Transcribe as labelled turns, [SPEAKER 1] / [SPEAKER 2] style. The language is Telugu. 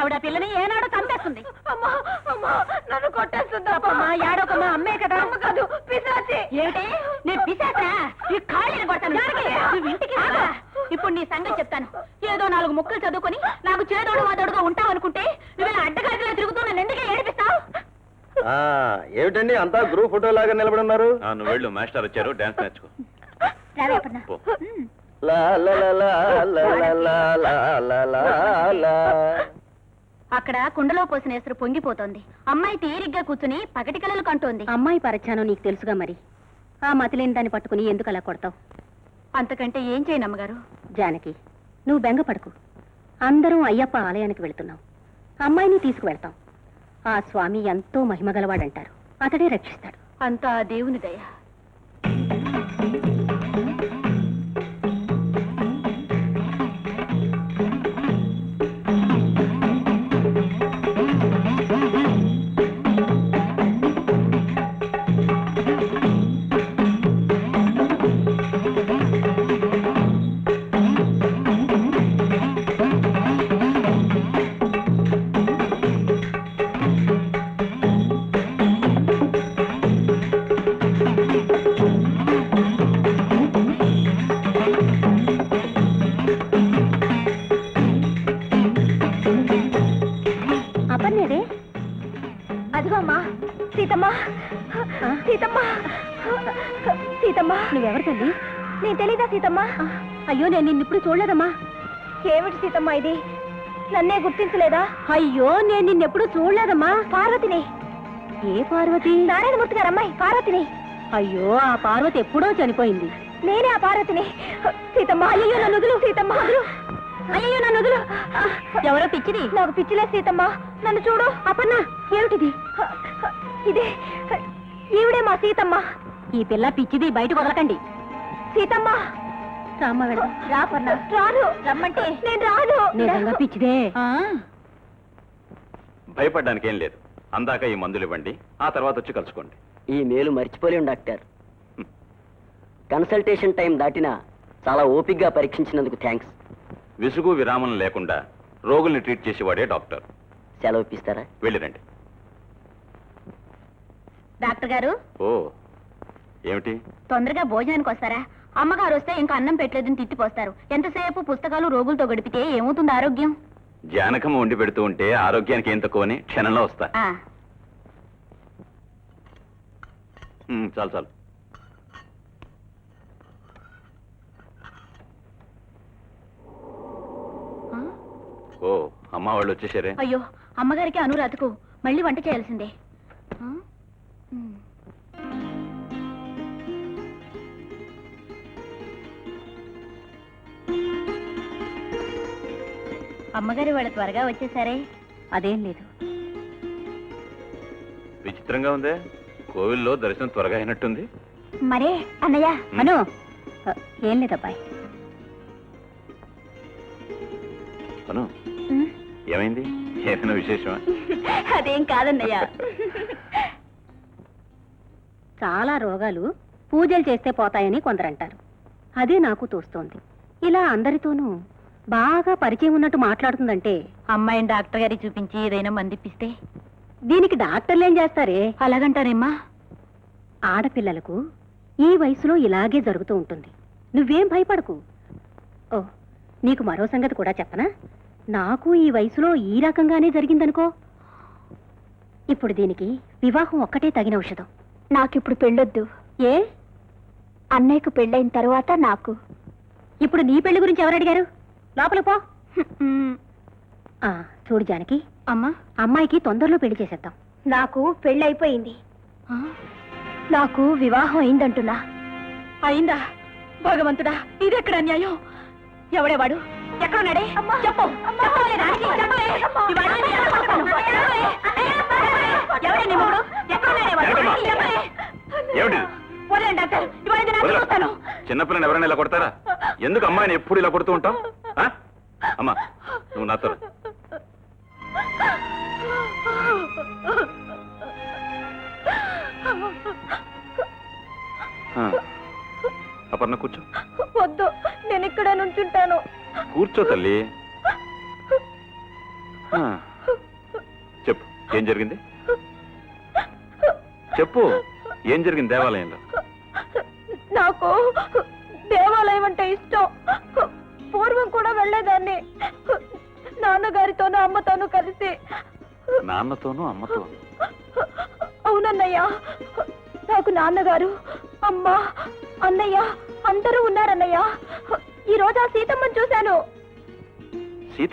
[SPEAKER 1] ఆవిడ పిల్లని ఏనాడో చంపేస్తుంది. అమ్మా అమ్మా నన్ను కొట్టేస్తుంది. అమ్మా ఏడోకమ్మా, అమ్మే కదా. అమ్మ కాదు, పిశాచి. ఏమిటి నేను పిశాచా? ఈ ఖాళీని కొడతాను. నువ్వు ఇంటికి రా. ఇప్పుడు నీ సంగతి చెప్తాను. ఏదో 4 ముక్కలు చదువుకొని నాకు చేదోడు వాదోడుగా ఉంటావు అనుకుంటే నువ్వు ఇలా అడ్డగాడిలో తిరుగుతూ నన్ను ఎందుకే ఏడిపిస్తావు?
[SPEAKER 2] ఏమిటండి అంతా గ్రూప్ ఫోటో లాగా నిలబడి ఉన్నారు?
[SPEAKER 3] నువ్వు వెళ్ళు, మాస్టర్ వచ్చారు, డాన్స్ నేర్చుకో.
[SPEAKER 1] అక్కడ కుండలో పోసిన ఎసురు పొంగిపోతోంది. అమ్మాయి తీరిగ్గా కూర్చుని పగటి కలలు కంటోంది. అమ్మాయి పరిచానో నీకు తెలుసుగా, మరి ఆ మతిలేని దాన్ని పట్టుకుని ఎందుకు అలా కొడతావు? అంతకంటే ఏం చేయను అమ్మగారు. జానకి, నువ్వు బెంగపడకు. అందరం అయ్యప్ప ఆలయానికి వెళుతున్నాం. అమ్మాయిని తీసుకువెళ్తాం. ఆ స్వామి ఎంతో మహిమగలవాడంటారు. అతడే రక్షిస్తాడు. అంతా దేవుని దయ. అదిగో అమ్మా, సీతమ్మ. సీతమ్మ, సీతమ్మ. నువ్వెవరు తల్లి? నేను తెలీదా సీతమ్మ? అయ్యో, నేను నిన్నిప్పుడు చూడలేదమ్మా. ఏమిటి సీతమ్మ ఇది? నన్నే గుర్తించలేదా? అయ్యో, నేను నిన్నెప్పుడు చూడలేదమ్మా. పార్వతిని. ఏ పార్వతి? నారాయణమూర్తి గారు అమ్మాయి పార్వతిని. అయ్యో, ఆ పార్వతి ఎప్పుడో చనిపోయింది. నేనే ఆ పార్వతిని. సీతమ్మ, అయ్యో నన్ను వదులు. సీతమ్మ, అయ్యో నన్ను వదులు. ఎవరో పిచ్చిది. నాకు పిచ్చిలే సీతమ్మ. నన్ను చూడు. అపర్ణ, ఏమిటిది? ఇదే ఈవిడే మా సీతమ్మ. ఈ పిల్ల పిచ్చిది, బయటకు వదలకండి. సీతమ్మ, రామ్మ వెళ్దాం. రా అపర్ణ. రాను. రమ్మంటే నేను రాను. నిజంగా పిచ్చిదే.
[SPEAKER 3] భయపడ్డానికి ఏం లేదు. అందాక ఈ మందులు ఇవ్వండి, ఆ తర్వాత వచ్చి కలుసుకోండి.
[SPEAKER 4] ఈ మేలు మర్చిపోలేం డాక్టర్. కన్సల్టేషన్ టైం దాటినా చాలా ఓపిగ్గా పరీక్షించినందుకు థ్యాంక్స్.
[SPEAKER 3] విసుగు విరామం లేకుండా రోగుల్ని ట్రీట్ చేసేవాడే డాక్టర్.
[SPEAKER 4] సెలవు ఇప్పిస్తారా?
[SPEAKER 3] వెళ్ళిరండి.
[SPEAKER 1] డాక్టర్ గారు.
[SPEAKER 3] ఓ, ఏమిటి?
[SPEAKER 1] తొందరగా భోజనానికి వస్తారా? అమ్మగారు వస్తే ఇంకా అన్నం పెట్టలేదని తిట్టిపోస్తారు. ఎంతసేపు పుస్తకాలు రోగులతో గడిపితే ఏమవుతుంది ఆరోగ్యం?
[SPEAKER 3] జానకమ్మ వండి పెడుతూ ఉంటే ఆరోగ్యానికి ఏం తక్కువని క్షణంలో వస్తా. చాలు చాలు. ఓ, అమ్మ వాళ్ళు వచ్చేసారే.
[SPEAKER 1] అయ్యో, అమ్మగారికి అనురాధకు మళ్ళీ వంట చేయాల్సిందే. అమ్మగారి వాళ్ళు త్వరగా వచ్చేసారే. అదేం లేదు.
[SPEAKER 3] విచిత్రంగా ఉందే, కోవిల్లో దర్శనం త్వరగా అయినట్టుంది.
[SPEAKER 1] మరే అన్నయ్య. అను, ఏం లేదబ్బాయి.
[SPEAKER 3] అను, ఏమైంది? ఏదైనా విశేషమా?
[SPEAKER 1] అదేం కాదన్నయ్య. చాలా రోగాలు పూజలు చేస్తే పోతాయని కొందరంటారు. అదే నాకు తోస్తోంది. ఇలా అందరితోనూ బాగా పరిచయం ఉన్నట్టు మాట్లాడుతుందంటే అమ్మాయిని డాక్టర్ గారికి చూపించి ఏదైనా మందిప్పిస్తే. దీనికి డాక్టర్లు ఏం చేస్తారే? అలాగంటారేమ్మా. ఆడపిల్లలకు ఈ వయసులో ఇలాగే జరుగుతూ ఉంటుంది. నువ్వేం భయపడకు. ఓ, నీకు మరో సంగతి కూడా చెప్పనా? నాకు ఈ వయసులో ఈ రకంగానే జరిగిందనుకో. ఇప్పుడు దీనికి వివాహం ఒక్కటే తగిన ఔషధం. నాకిప్పుడు పెళ్ళొద్దు. ఏ? అన్నయ్యకు పెళ్ళైన తరువాత నాకు. ఇప్పుడు నీ పెళ్లి గురించి ఎవరు అడిగారు? లోపల పో. చూడు జానకి, అమ్మా, అమ్మాయికి తొందరలో పెళ్లి చేసేద్దాం. నాకు పెళ్ళైపోయింది. నాకు వివాహం అయిందంటున్నా. అయిందా? భగవంతుడా, ఇదెక్కడ అన్యాయం? ఎవడేవాడు? ఎక్కడున్నాడే? చెప్పు.
[SPEAKER 3] చిన్నపిల్లని ఎవరైనా ఇలా కొడతారా? ఎందుకు అమ్మాయిని ఎప్పుడు ఇలా కొడుతూ ఉంటాం? అమ్మా, నువ్వు నాతో. అపర్ణ, కూర్చో.
[SPEAKER 1] వద్దు, నేను ఇక్కడ నుంచుంటాను.
[SPEAKER 3] కూర్చో తల్లి. చెప్పు ఏం జరిగింది? చెప్పు ఏం జరిగింది దేవాలయంలో?
[SPEAKER 1] నాకు దేవాలయం అంటే ఇష్టం. పూర్వం కూడా వెళ్ళేదాన్ని, నాన్నగారితోనూ అమ్మతోనూ కలిసి.
[SPEAKER 3] నాన్నతోనూ అమ్మతోనూ?
[SPEAKER 1] అవునన్నయ్య, నాకు నాన్నగారు, అమ్మ, అన్నయ్య అందరూ ఉన్నారన్నయ్య. ఈ రోజు ఆ సీతమ్మని చూశాను.